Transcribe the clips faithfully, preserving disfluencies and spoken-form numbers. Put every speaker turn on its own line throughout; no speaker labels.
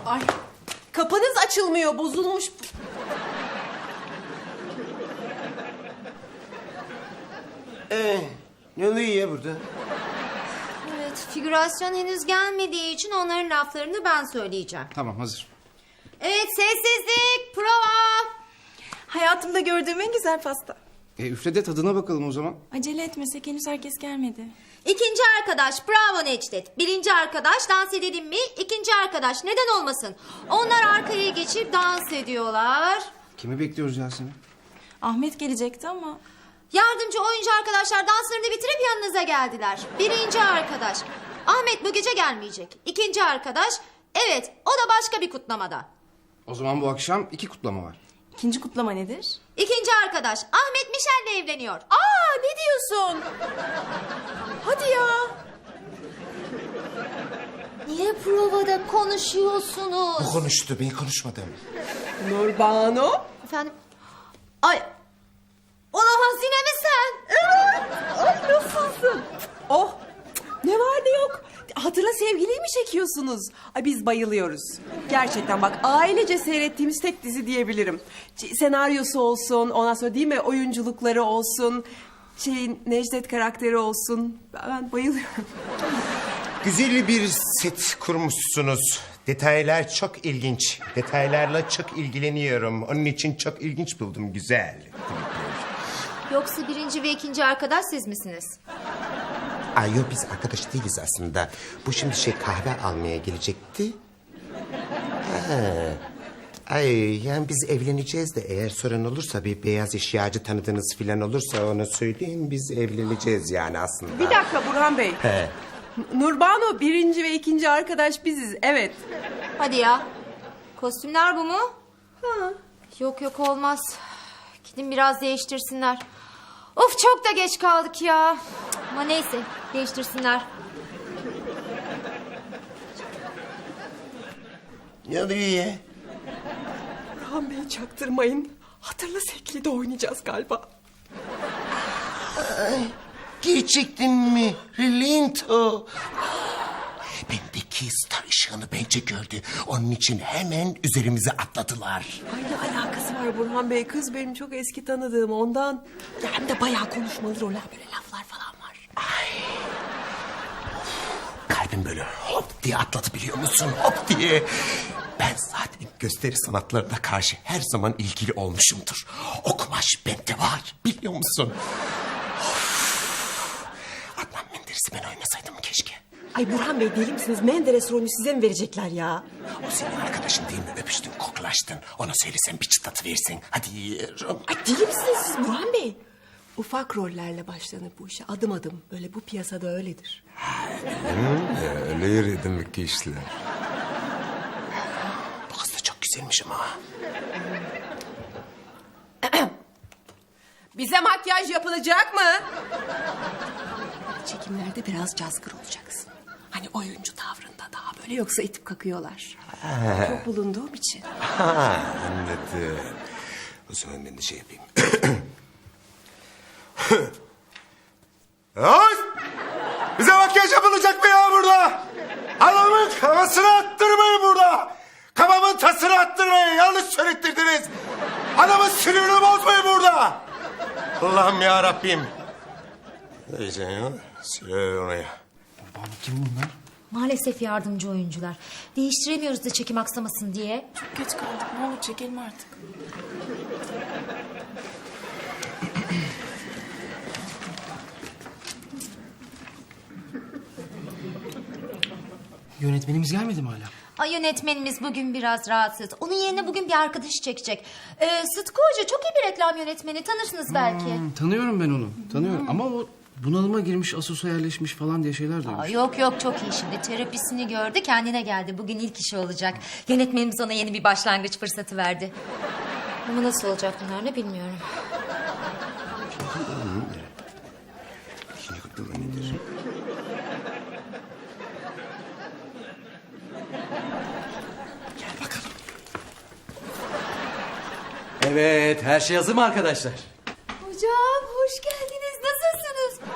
Ay, kapınız açılmıyor, bozulmuş.
Ee, ne oluyor ya burada?
Evet, figürasyon henüz gelmediği için onların laflarını ben söyleyeceğim.
Tamam, hazır.
Evet, sessizlik, prova.
Hayatımda gördüğüm en güzel pasta.
E, üfle de tadına bakalım o zaman.
Acele etmesek, henüz herkes gelmedi.
İkinci arkadaş, bravo Necdet. Birinci arkadaş, dans edelim mi? İkinci arkadaş, neden olmasın? Onlar arkaya geçip dans ediyorlar.
Kimi bekliyoruz Yasemin?
Ahmet gelecekti ama...
Yardımcı oyuncu arkadaşlar danslarını bitirip yanınıza geldiler. Birinci arkadaş, Ahmet bu gece gelmeyecek. İkinci arkadaş, evet o da başka bir kutlamada.
O zaman bu akşam iki kutlama var.
İkinci kutlama nedir?
İkinci arkadaş, Ahmet Mişel'le evleniyor.
Aa, ne diyorsun? Hadi ya.
Niye provada konuşuyorsunuz?
O konuştu, ben konuşmadım.
Nurbanu.
Efendim? Ay, olamaz yine mi sen?
Ay, nasılsın? Oh, ne var ne yok. Hatırla sevgiliyi mi çekiyorsunuz? Ay, biz bayılıyoruz. Gerçekten bak, ailece seyrettiğimiz tek dizi diyebilirim. Ç- senaryosu olsun, ondan sonra değil mi oyunculukları olsun... Şey, Necdet karakteri olsun. Ben bayılıyorum.
Güzel bir set kurmuşsunuz. Detaylar çok ilginç. Detaylarla çok ilgileniyorum. Onun için çok ilginç buldum, güzel.
Yoksa birinci ve ikinci arkadaş siz misiniz?
Ay yok, biz arkadaş değiliz aslında. Bu şimdi şey kahve almaya gelecekti. Ha. Ay yani biz evleneceğiz de eğer sorun olursa bir beyaz eşyacı tanıdığınız filan olursa onu söyleyin, biz evleneceğiz yani aslında.
Bir dakika Burhan Bey.
He.
Nurbanu birinci ve ikinci arkadaş biziz, evet.
Hadi ya. Kostümler bu mu? Ha. Yok yok olmaz. Gidin biraz değiştirsinler. Of çok da geç kaldık ya. Ama neyse değiştirsinler.
Ne oluyor ya?
Burhan Bey çaktırmayın. Hatırla sevgili de oynayacağız galiba.
Gerçekten mi? Relinto. Bendeki star ışığını bence gördü. Onun için hemen üzerimize atladılar.
Ay, ne alakası var Burhan Bey? Kız benim çok eski tanıdığım ondan. Ya hem de bayağı konuşmalı roller, böyle laflar falan var.
Kalbim böyle hop diye atladı, biliyor musun? Hop diye. Ben zaten gösteri sanatlarına karşı her zaman ilgili olmuşumdur. O kumaş bende var, biliyor musun? Of. Adnan Menderes'i ben oynasaydım keşke.
Ay Burhan Bey, deli misiniz? Menderes rolünü size mi verecekler ya?
O senin arkadaşın değil mi? Öpüştün, koklaştın. Ona söylesen bir çıtlatı versin. Hadi yiyorum.
Ay, deli misiniz siz Burhan Bey? Ufak rollerle başlanır bu işe, adım adım. Böyle bu piyasada öyledir.
Öyle yürüdüm ki işler. Bu kız da çok güzelmiş ama.
Bize makyaj yapılacak mı? Çekimlerde biraz cazgır olacaksın. Hani oyuncu tavrında daha böyle, yoksa itip kakıyorlar. Çok bulunduğum için.
Ha, anladım. O zaman ben de şey yapayım. Ay! Bize makyaj yapılacak mı ya burada? Adamın kafasını attırmayın burada. Kafamın tasını attırmayın. Yanlış söylettirdiniz. Adamın sinirini bozmayın burada. Allah'ım ya Rabbim. Neyse ya. Söyle oraya.
Baba kim bunlar?
Maalesef yardımcı oyuncular. Değiştiremiyoruz da çekim aksamasın diye.
Çok geç kaldık, ne olur çekelim artık.
Yönetmenimiz gelmedi mi hala?
Ay yönetmenimiz bugün biraz rahatsız. Onun yerine bugün bir arkadaşı çekecek. Ee, Sıtkı Hoca çok iyi bir reklam yönetmeni. Tanırsınız belki.
Hmm, tanıyorum ben onu. Tanıyorum ama o bunalıma girmiş, asosyalleşmiş falan diye şeyler
Aa,
duymuş.
yok yok çok iyi şimdi. Terapisini gördü, kendine geldi. Bugün ilk işi olacak. Yönetmenimiz ona yeni bir başlangıç fırsatı verdi. Ama nasıl olacak bunlar ne bilmiyorum.
İkinci kutlama nedir? Gel bakalım.
Evet, her şey hazır mı arkadaşlar?
Hocam hoş geldiniz. Nasılsınız?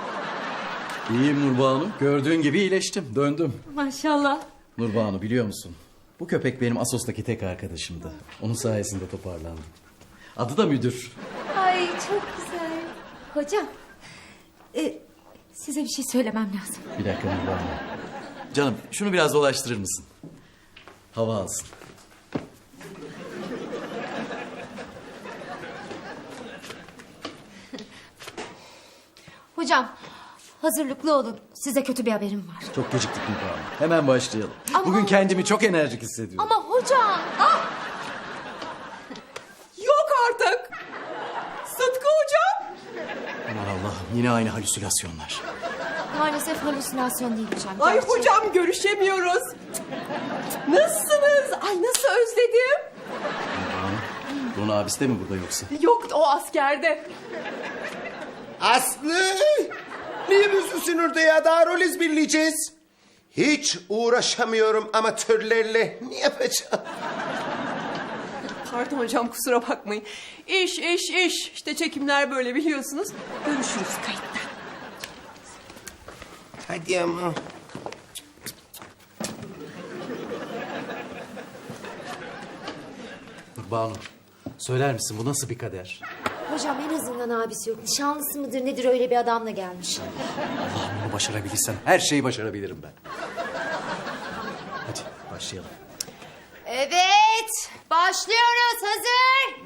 İyiyim Nurbanu. Gördüğün gibi iyileştim, döndüm.
Maşallah.
Nurbanu biliyor musun? Bu köpek benim Assos'taki tek arkadaşımdı. Onun sayesinde toparlandım. Adı da Müdür.
Ay çok güzel. Hocam. e, size bir şey söylemem lazım.
Bir dakika Nurhan. Canım şunu biraz dolaştırır mısın? Hava alsın.
Hocam hazırlıklı olun. Size kötü bir haberim var.
Çok geciktik Nurhan. Hemen başlayalım.
Ama-
Bugün kendimi çok enerjik hissediyorum.
Ama hocam. Ah!
Yok artık. Sıtkı hocam.
Aman Allah'ım yine aynı halüsinasyonlar.
Maalesef halüsinasyon değil hocam.
Ay
Gerçek.
hocam görüşemiyoruz. Nasılsınız? Ay nasıl özledim.
Bunun abisi de mi burada yoksa?
Yok o askerde.
Aslı! Niye üzülsün orada ya? Daha rol ezberleyeceğiz. Hiç uğraşamıyorum amatörlerle. Ne yapacağım?
Pardon hocam kusura bakmayın. İş iş iş. İşte çekimler böyle biliyorsunuz. Görüşürüz kayıtta.
Hadi ama.
Banu, söyler misin bu nasıl bir kader?
Hocam en azından abisi yok. Nişanlısı mıdır nedir öyle bir adamla gelmiş.
Allah'ım bunu başarabilirsem her şeyi başarabilirim ben. Hadi başlayalım.
Evet. Başlıyoruz. Hazır.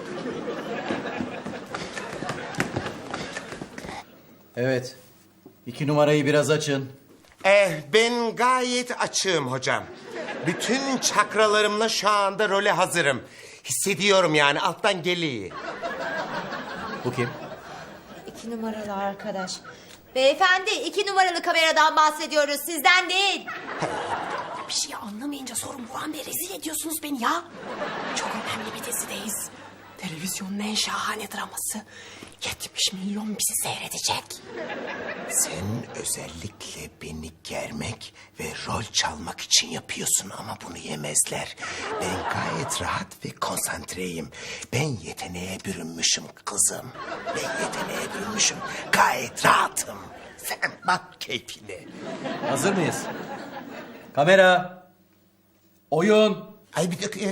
Evet. İki numarayı biraz açın.
Eh, ben gayet açığım hocam. Bütün çakralarımla şu anda role hazırım. Hissediyorum yani alttan geliyor.
Bu kim?
İki numaralı arkadaş. Beyefendi iki numaralı kameradan bahsediyoruz. Sizden değil.
Bir şey anlamayınca sorun Burhan Bey rezil ediyorsunuz beni ya. Çok önemli bir dizideyiz. Televizyonun en şahane draması. yetmiş milyon bizi seyredecek.
Sen özellikle beni germek ve rol çalmak için yapıyorsun ama bunu yemezler. Ben gayet rahat ve konsantreyim. Ben yeteneğe bürünmüşüm kızım. Ben yeteneğe bürünmüşüm. Gayet rahatım. Sen bak keyfine.
Hazır mıyız? Kamera. Oyun.
Ay bir dakika ya.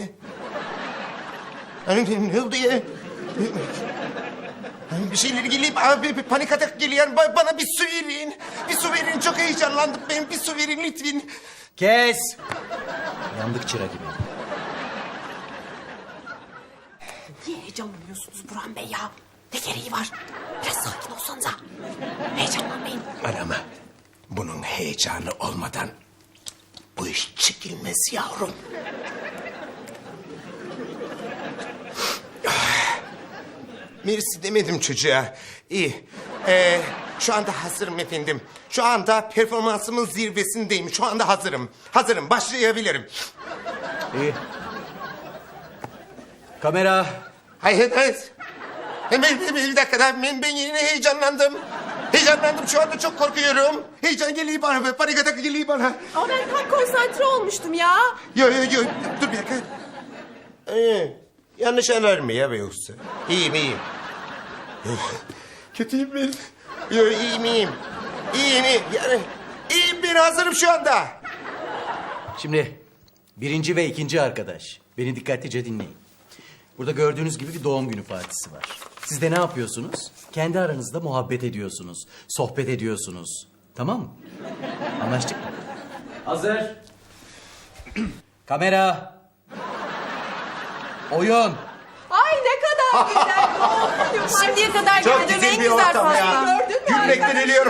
Hani ne oldu ya? Hani bir şeyler geliyor, abi bir panik atak geliyor. Ba- Bana bir su verin. Bir su verin, çok heyecanlandım ben. Bir su verin lütfen.
Kes. Yandık çıra gibi.
Niye heyecanlanıyorsunuz Burhan Bey ya? Ne gereği var? Biraz sakin olsanıza. Heyecanlanmayın.
Arama. Bunun heyecanı olmadan bu iş çekilmez yavrum. Mersi demedim çocuğa. İyi. Ee, şu anda hazırım efendim. Şu anda performansımın zirvesindeyim. Şu anda hazırım. Hazırım. Başlayabilirim.
İyi. Kamera.
Hayır, hayır. Hemen bir, bir dakika. Ben, ben yine heyecanlandım. Heyecanlandım. Şu anda çok korkuyorum. Heyecan geliyor bana. Panik atak geliyor bana.
Ama ben tam konsantre olmuştum ya.
Yo yo yo. Dur bir dakika. Ee, yanlış anlar mı ya be yoksa? İyiyim iyiyim. Kötüyüm ben. Yo iyiyim iyiyim. İyiyim iyiyim. Yani iyiyim ben hazırım şu anda.
Şimdi birinci ve ikinci arkadaş. Beni dikkatlice dinleyin. Burada gördüğünüz gibi bir doğum günü partisi var. Siz de ne yapıyorsunuz? Kendi aranızda muhabbet ediyorsunuz. Sohbet ediyorsunuz. Tamam mı? Anlaştık mı? Hazır. Kamera. Oyun.
Ay ne kadar güzel doğum günüm var.
Şimdiye kadar
Çok
gördüğüm
güzel
en
bir
güzel
ortam ya.
pasta.
Gördün mü
Gülmekten
arkadaşım?
ölüyorum.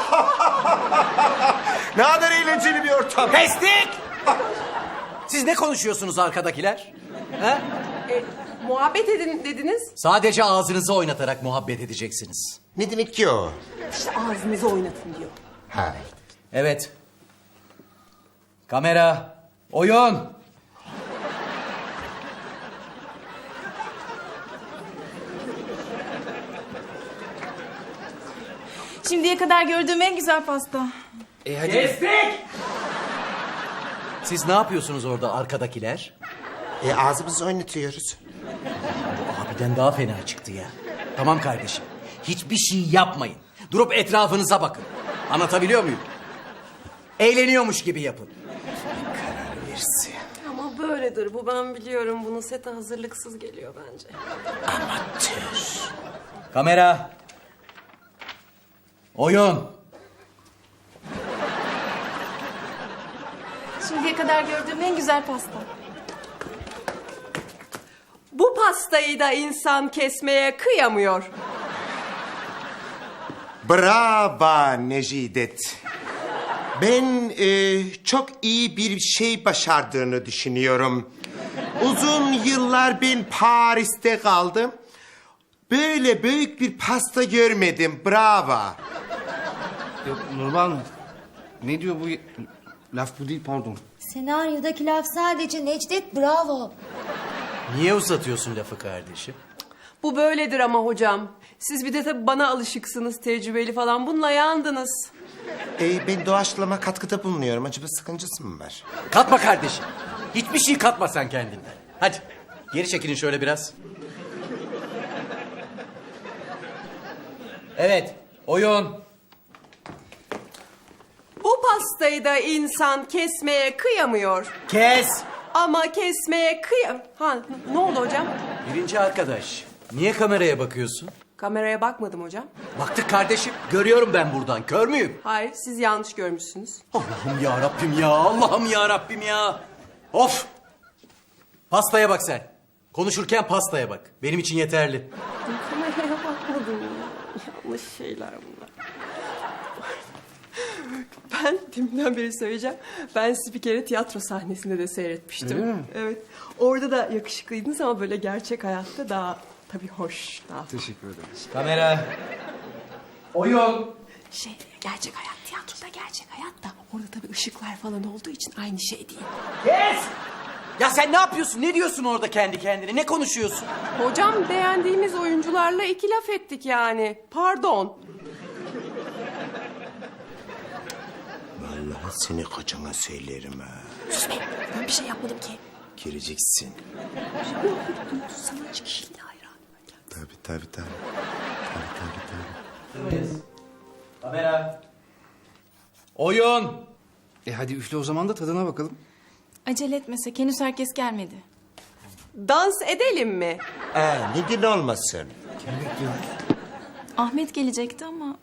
Ne kadar eğlenceli bir ortam.
Kestik. Siz ne konuşuyorsunuz arkadakiler? He?
E, muhabbet edin dediniz.
Sadece ağzınızı oynatarak muhabbet edeceksiniz.
Ne demek ki o?
İşte ağzınızı oynatın diyor.
Ha.
Evet. Kamera. Oyun.
Şimdiye kadar gördüğüm en güzel pasta.
E hadi. Kestik. Siz ne yapıyorsunuz orada arkadakiler?
E, ağzımızı oynatıyoruz.
Bu abiden daha fena çıktı ya. Tamam kardeşim. Hiçbir şey yapmayın. Durup etrafınıza bakın. Anlatabiliyor muyum? Eğleniyormuş gibi yapın.
Karar versin.
Ama Bu böyledir. Bu ben biliyorum. Bunun sete hazırlıksız geliyor bence.
Kamera. Oyun.
Şimdiye kadar gördüğüm en güzel pasta.
Bu pastayı da insan kesmeye kıyamıyor.
Bravo Necidet. Ben e, çok iyi bir şey başardığını düşünüyorum. Uzun yıllar ben Paris'te kaldım. Böyle büyük bir pasta görmedim. Bravo.
Yok Nurban, ne diyor bu? Laf bu değil, pardon.
Senaryodaki laf sadece Necdet bravo.
Niye uzatıyorsun lafı kardeşim?
Bu böyledir ama hocam. Siz bir de tabii bana alışıksınız, tecrübeli falan. Bununla yandınız.
E, ben doğaçlama katkıda bulunuyorum. Acaba sıkıntısı mı var?
Katma kardeşim. Hiçbir şey katma sen kendinden. Hadi geri çekilin şöyle biraz. Evet, oyun.
Bu pastayı da insan kesmeye kıyamıyor.
Kes.
Ama kesmeye kıyam... Ha, ne oldu hocam?
Birinci arkadaş, niye kameraya bakıyorsun?
Kameraya bakmadım hocam.
Baktık kardeşim, görüyorum ben buradan, kör müyüm?
Hayır, siz yanlış görmüşsünüz.
Allah'ım ya Rabbim ya, Allah'ım ya Rabbim ya. Of! Pastaya bak sen. Konuşurken pastaya bak. Benim için yeterli.
Kameraya bakmadım ya. Yanlış şeyler bunlar. Ben deminden beri söyleyeceğim. Ben sizi bir kere tiyatro sahnesinde de seyretmiştim.
Öyle mi?
Evet. Orada da yakışıklıydınız ama böyle gerçek hayatta daha tabii hoş. Daha
Teşekkür ederiz.
Kamera. Oyun.
şey gerçek hayat, tiyatroda gerçek hayat da orada tabii ışıklar falan olduğu için aynı şey değil.
Kes! Ya sen ne yapıyorsun? Ne diyorsun orada kendi kendine? Ne konuşuyorsun?
Hocam beğendiğimiz oyuncularla iki laf ettik yani. Pardon.
Vallahi seni kocana söylerim ha.
Sus be, ben bir şey yapmadım ki.
Gireceksin.
Sanatçı kişiliğine hayran.
Tabii tabii tabii. Tabii tabii tabii.
Kamera. Oyun.
E hadi üfle o zaman da tadına bakalım.
Acele etmesek henüz herkes gelmedi.
Dans edelim mi?
Ee, neden olmasın?
Ahmet gelecekti ama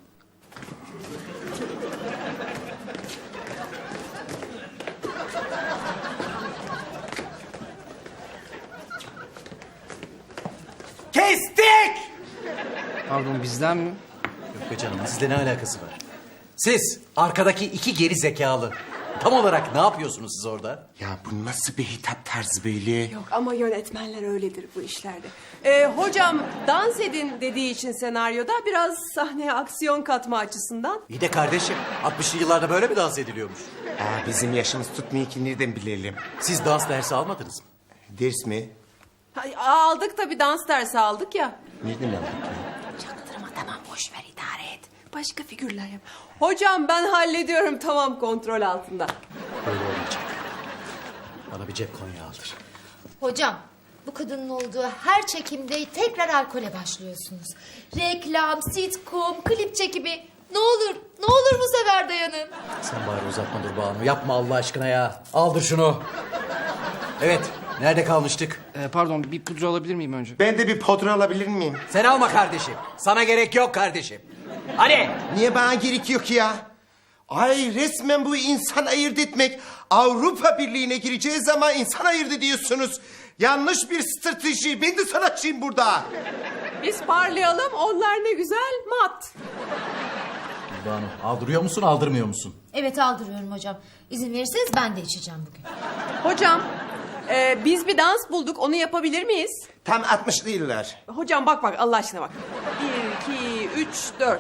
Kestik!
Pardon, bizden mi?
Yok be canım, sizle ne alakası var? Siz, arkadaki iki geri zekalı. Tam olarak ne yapıyorsunuz siz orada?
Ya bu nasıl bir hitap tarzı böyle?
Yok ama yönetmenler öyledir bu işlerde. Ee, hocam dans edin dediği için senaryoda biraz sahneye aksiyon katma açısından.
İyi de kardeşim, altmışlı yıllarda böyle mi dans ediliyormuş?
Aa, bizim yaşımız tutmuyor ki nereden bilelim?
Siz dans dersi almadınız mı?
Ders mi?
Ha, aldık tabii dans dersi aldık ya.
Nereden aldık ya?
Çaktırma tamam boş ver idare et. Başka figürler yap. Hocam ben hallediyorum tamam kontrol altında.
Böyle olmayacak. Bana bir cep konya aldır.
Hocam bu kadının olduğu her çekimde tekrar alkole başlıyorsunuz. Reklam, sitcom, klip çekimi. Ne olur, ne olur bu sefer dayanın.
Sen bari uzatma dur Banu. Yapma Allah aşkına ya. Aldır şunu. Evet, nerede kalmıştık?
E, pardon, bir pudra alabilir miyim önce?
Ben de bir pudra alabilir miyim?
Sen alma kardeşim. Sana gerek yok kardeşim. Hadi.
Niye bana gerek yok ya? Ay resmen bu insan ayırt etmek. Avrupa Birliği'ne gireceğiz ama insan ayırt ediyorsunuz. Yanlış bir strateji. Ben de sanatçıyım burada.
Biz parlayalım onlar ne güzel mat.
Banu, aldırıyor musun, aldırmıyor musun?
Evet aldırıyorum hocam. İzin verirseniz ben de içeceğim bugün.
Hocam e, biz bir dans bulduk onu yapabilir miyiz?
Tam altmışlı yıllar.
Hocam bak bak Allah aşkına bak. Bir, iki, üç, dört.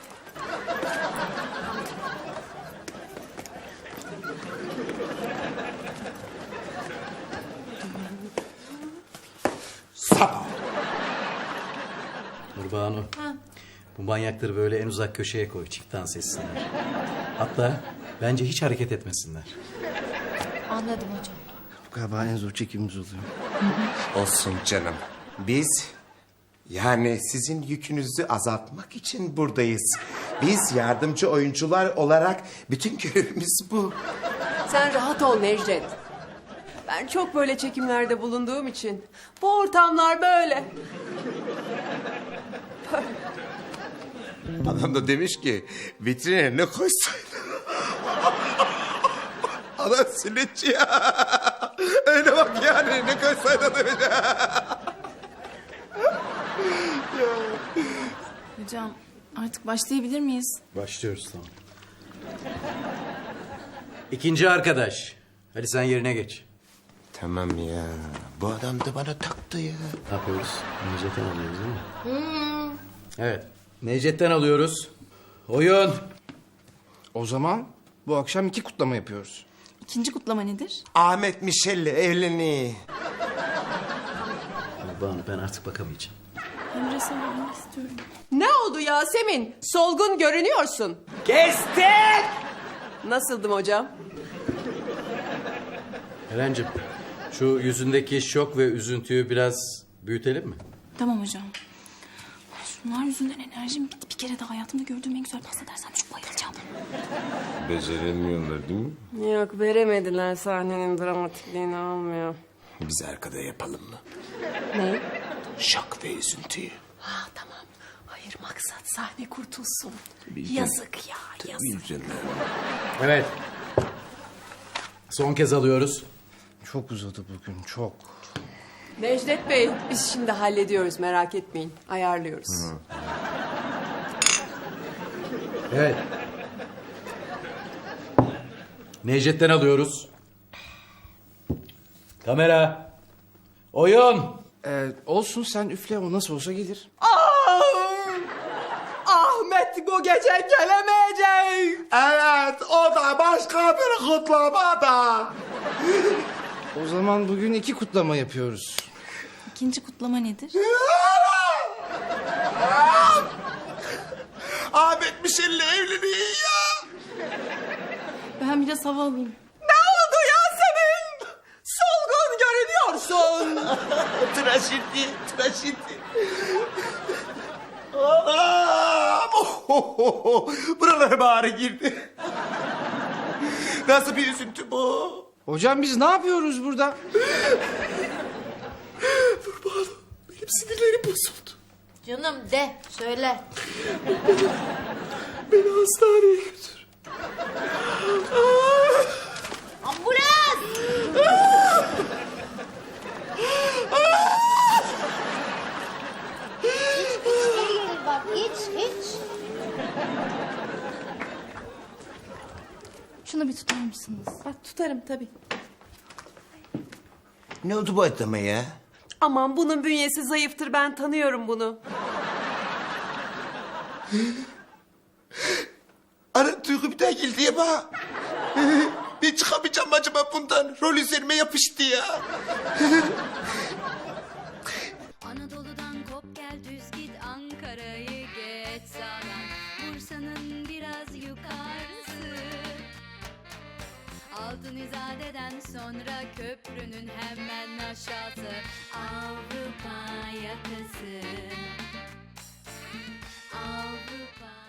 Sabah.
Nurbanu. Bu manyakları böyle en uzak köşeye koy. Çift dans etsinler. Hatta bence hiç hareket etmesinler.
Anladım hocam.
Galiba en zor çekimimiz oluyor.
Olsun canım. Biz yani sizin yükünüzü azaltmak için buradayız. Biz yardımcı oyuncular olarak bütün görevimiz bu.
Sen rahat ol Necdet. Ben çok böyle çekimlerde bulunduğum için. Bu ortamlar böyle.
Adam da demiş ki vitrine ne koysaydı. Adam siletçi ya. Öyle bak yani ne koysaydı demiş.
Hocam artık başlayabilir miyiz?
Başlıyoruz tamam. İkinci arkadaş. Hadi sen yerine geç.
Tamam ya. Bu adam da bana taktı ya.
Ne yapıyoruz? Necdet'ten alıyoruz değil mi? Evet. Necdet'ten alıyoruz. Oyun.
O zaman bu akşam iki kutlama yapıyoruz.
İkinci kutlama nedir?
Ahmet Mişel'le evleniyor.
Banu ben artık bakamayacağım.
Emre savunmak istiyorum.
Ne oldu Yasemin? Solgun görünüyorsun.
Kestik!
Nasıldım hocam?
Eren'cim şu yüzündeki şok ve üzüntüyü biraz büyütelim mi?
Tamam hocam. Şunlar yüzünden enerjim gitti. Bir kere de hayatımda gördüğüm en güzel pasta dersem çok bayılacağım.
Beceremiyorlar değil mi?
Yok veremediler sahnenin dramatikliğini almıyor.
Biz arkada yapalım mı?
Ne?
Şok ve üzüntüyü.
Ha tamam. Hayır maksat sahne kurtulsun. Yazık ya yazık.
Evet. Son kez alıyoruz.
Çok uzadı bugün çok.
Necdet Bey biz şimdi hallediyoruz merak etmeyin. Ayarlıyoruz.
Evet. Necdet'ten alıyoruz. Kamera. Oyun.
Ee, olsun sen üfle o nasıl olsa gelir.
Ahmet bu gece gelemeyecek.
Evet o da başka bir kutlamada.
O zaman bugün iki kutlama yapıyoruz.
İkinci kutlama nedir?
Ahmet Mişel'le evleniyor ya.
Ben biraz hava alayım.
Ne oldu Yasemin? Solgun görünüyorsun.
Trajedi, trajedi. Anam! Ohohoho! Buralara bari girdi. Nasıl bir üzüntü bu?
Hocam biz ne yapıyoruz burada?
Benim sinirlerim bozuldu.
Canım de söyle.
Beni hastaneye götür.
Ambulans! İçeri gelir bak iç iç.
Şunu bir tutar mısınız?
Bak tutarım tabii.
Ne oldu bu adama ya?
Aman bunun bünyesi zayıftır ben tanıyorum bunu.
Ara duygu bir daha geldi ya bana. Ben çıkamayacağım acaba bundan. Rol üzerime yapıştı ya.
Anadolu'dan kop gel düz git Ankara'yı geç sağdan Bursa'nın biraz yukarısı Altın İzade'den sonra köprünün hemen aşağısı Avrupa yakası Avrupa